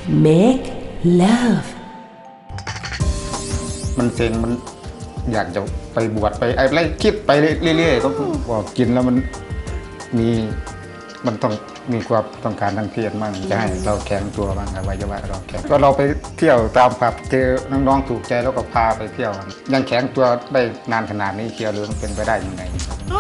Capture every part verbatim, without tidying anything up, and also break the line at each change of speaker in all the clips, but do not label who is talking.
make love
มันเซ็งมันอยากจะไปบวชไปอะไรคิดไปเรื่อยๆก็บอกกินแล้วมันมีมันต้องมีความต้องการทางเพศมั่งจะให้เราแข็งตัวบ้างอวัยวะเราแข็งก็เราไปเที่ยวตามผับเจอน้องๆถูกใจแล้วก็พาไปเที่ยวยังแข็งตัวได้นานขนาดนี้เชียวหรือมันเป็นไปได้ยังไง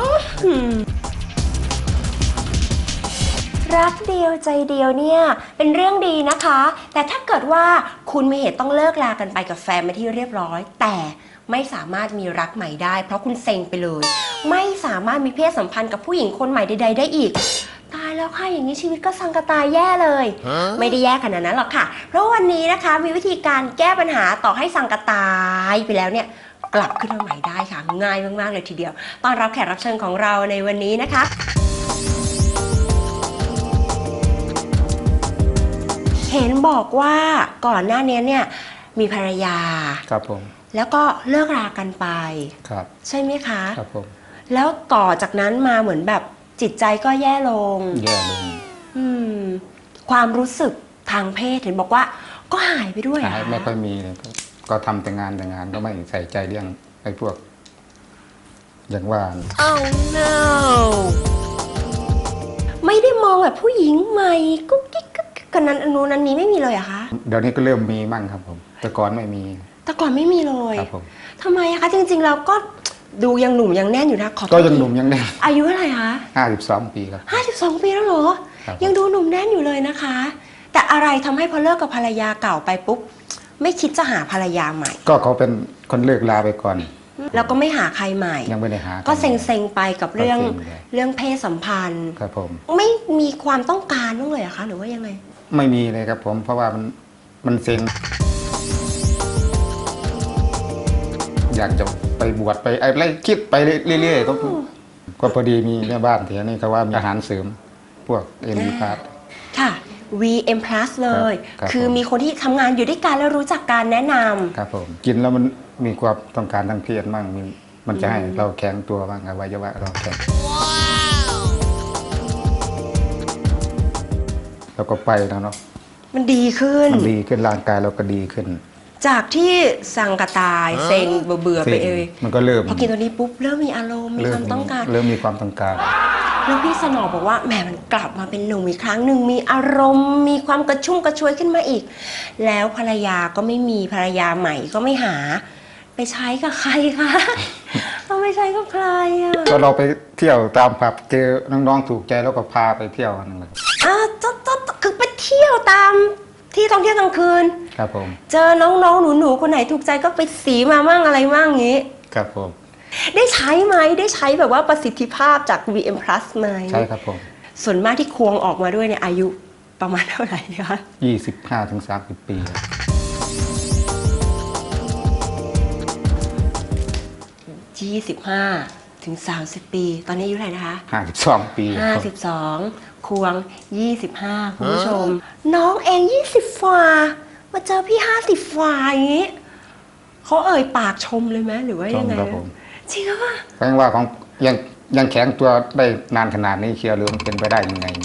รักเดียวใจเดียวเนี่ยเป็นเรื่องดีนะคะแต่ถ้าเกิดว่าคุณมีเหตุต้องเลิกลากันไปกับแฟนมาที่เรียบร้อยแต่ไม่สามารถมีรักใหม่ได้เพราะคุณเซ็งไปเลยไม่สามารถมีเพศสัมพันธ์กับผู้หญิงคนใหม่ใดๆได้อีกตายแล้วค่ะอย่างนี้ชีวิตก็สังกะตายแย่เลย ไม่ได้แย่ขนาดนั้นหรอกค่ะเพราะวันนี้นะคะมีวิธีการแก้ปัญหาต่อให้สังกะตายไปแล้วเนี่ยกลับขึ้นมาใหม่ได้ค่ะง่ายมากๆเลยทีเดียวต้อนรับแขกรับเชิญของเราในวันนี้นะคะเห็นบอกว่าก่อนหน้านี้เนี่ยมีภรรยา
ครับผม
แล้วก็เลิกรากันไป
ครับ
ใช่ไหมคะ
ครับผม
แล้วต่อจากนั้นมาเหมือนแบบจิตใจก็แย่ลง
แย่ลง
อืมความรู้สึกทางเพศเห็นบอกว่าก็หายไปด้วย
หายไม่ค่อยมีเลยก็ทำแต่งานแต่งานก็ไม่ใส่ใจเรื่องไอ้พวกอย่างว่า
oh no ไม่ได้มองแบบผู้หญิงใหม่กุ๊กกิ๊กกันนั้นอันนู้นอันนี้ไม่มีเลยอะคะ
เดี๋ยวนี้ก็เริ่มมีมั่งครับผมแต่ก่อนไม่มี
แต่ก่อนไม่มีเลย
ครับผม
ทำไมอะคะจริงๆเราก็ดูยังหนุ่มยังแน่นอยู่นะขอ
ก็ยังหนุ่มยังแน่น
อายุเท่าไหร่คะ
ห้าสิบสองปีครับ
ห้าสิบสองปีแล้วเหรอยังดูหนุ่มแน่นอยู่เลยนะคะแต่อะไรทำให้พอเลิกกับภรรยาเก่าไปปุ๊บไม่คิดจะหาภรรยาใหม่
ก็เขาเป็นคนเลิกลาไปก่อน
แล้วก็ไม่หาใครใหม่
ยังไม่ได้หา
ก็เซ็งๆไปกับเรื่องเรื่องเพศสัมพันธ์
ครับผม
ไม่มีความต้องการบ้างเลยอะคะหรือว่ายังไง
ไม่มีเลยครับผมเพราะว่ามันมันเซ็งอยากจะไปบวชไปอะไรคิดไปเรื่อยๆก็ก็พอดีมีแม่บ้านแถวนี้เขาว่ามีอาหารเสริมพวกเอ็มพาร์ท
ค่ะ วี เอ็ม พลัส เลยคือมีคนที่ทำงานอยู่ด้วยกันแล้วรู้จักการแนะนำ
ครับผมกินแล้วมันมีความต้องการทางเพศมั่งมันจะให้เราแข็งตัวบ้างอวัยวะเราแข็งแล้วก็ไปแล้วเนาะ
มันดีขึ้น
มันดีขึ้นร่างกายเราก็ดีขึ้น
จากที่สังกะตายเซ็งเบื่อไปเอง
มันก็เริ่ม
พอกินตัวนี้ปุ๊บเริ่มมีอารมณ์มีความต้องการ
เริ่มมีความต้องการ
แล้วพี่สนอบอกว่าแหมมันกลับมาเป็นหนุ่มอีกครั้งหนึ่งมีอารมณ์มีความกระชุ่มกระชวยขึ้นมาอีกแล้วภรรยาก็ไม่มีภรรยาใหม่ก็ไม่หาไปใช้กับใครคะเราไปใช้กับใครอ่ะ
ก็เราไปเที่ยวตามผับเจอน้องๆถูกใจแล้วก็พาไปเที่ยวนั่นแหละ
อ่าจ๊ดคือไปเที่ยวตามที่ท่องเที่ยวกลางคืน
ครับผม
เจอน้องๆหนูๆคนไหนถูกใจก็ไปสีมามั่งอะไรมั่งงี้
ครับผม
ได้ใช้ไหมได้ใช้แบบว่าประสิทธิภาพจาก วี เอ็ม พลัส ไหม
ใช่ครับผม
ส่วนมากที่ควงออกมาด้วยเนี่ยอายุประมาณเท่าไหร่คะ
ยี่สิบห้าถึงสามสิบปี
ยี่สิบห้าถึงสามสิบปีตอนนี้อายุเท่าไหร่นะคะ
ห้าสิบสองปี
ห้าสิบสองควงยี่สิบห้าคุณผู้ชมน้องเองยี่สิบฝ่ามาเจอพี่ห้าสิบฝ่าอย่างนี้เขาเอ่ยปากชมเลยไหมหรือว่ายังไงจริงป่ะ
แปลว่าของยังยังแข็งตัวได้นานขนาดนี้เชียวหรือมันเป็นไปได้ยังไง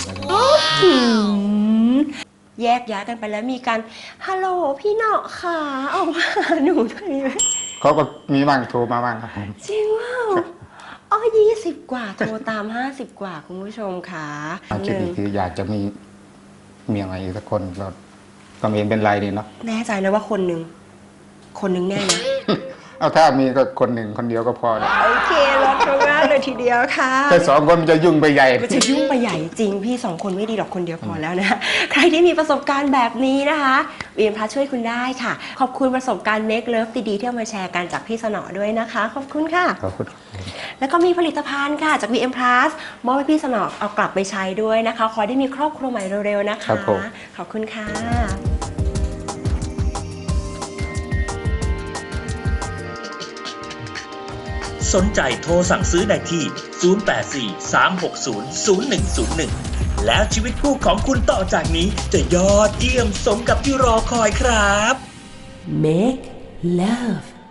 แยกย้ายกันไปแล้วมีการฮัลโหลพี่เนาะค่ะออกมาหนูด้วยไหม
เขาก็มีบ้างโทรมาบ้างครับ
จริงว่าอ๋อยี่สิบกว่าโทรตามห้าสิบกว่าคุณผู้ชมค่ะ
คิดอีกทีอยากจะมีเมียใหม่อีกสักคนก็ก็ไม่เป็นไรดีเนาะ
แน่ใจนะว่าคนหนึ่งคนหนึ่งแน่นะ
เอาถ้ามีก็คนหนึ่งคนเดียวก็พอแล้ว
โอเครักมากเลยทีเดียวค่ะ
แต่สองคนมันจะยุ่งไปใหญ่
ก็จะยุ่งไปใหญ่จริงพี่สองคนไม่ดีหรอกคนเดียวพอแล้วนะใครที่มีประสบการณ์แบบนี้นะคะ วี เอ็ม พลัส ช่วยคุณได้ค่ะขอบคุณประสบการณ์ Make Love ดีๆที่เอามาแชร์กันจากพี่สนอด้วยนะคะขอบคุณค่ะ
ขอบคุณ
แล้วก็มีผลิตภัณฑ์ค่ะจาก วี เอ็ม พลัส มอบให้พี่สนอเอากลับไปใช้ด้วยนะคะขอได้มีครอบครัวใหม่เร็วๆนะคะขอบคุณค่ะ
สนใจโทรสั่งซื้อได้ที่ศูนย์ แปด สี่ สาม หก ศูนย์ ศูนย์ หนึ่ง ศูนย์ หนึ่งแล้วชีวิตคู่ของคุณต่อจากนี้จะยอดเยี่ยมสมกับที่รอคอยครับ
Make love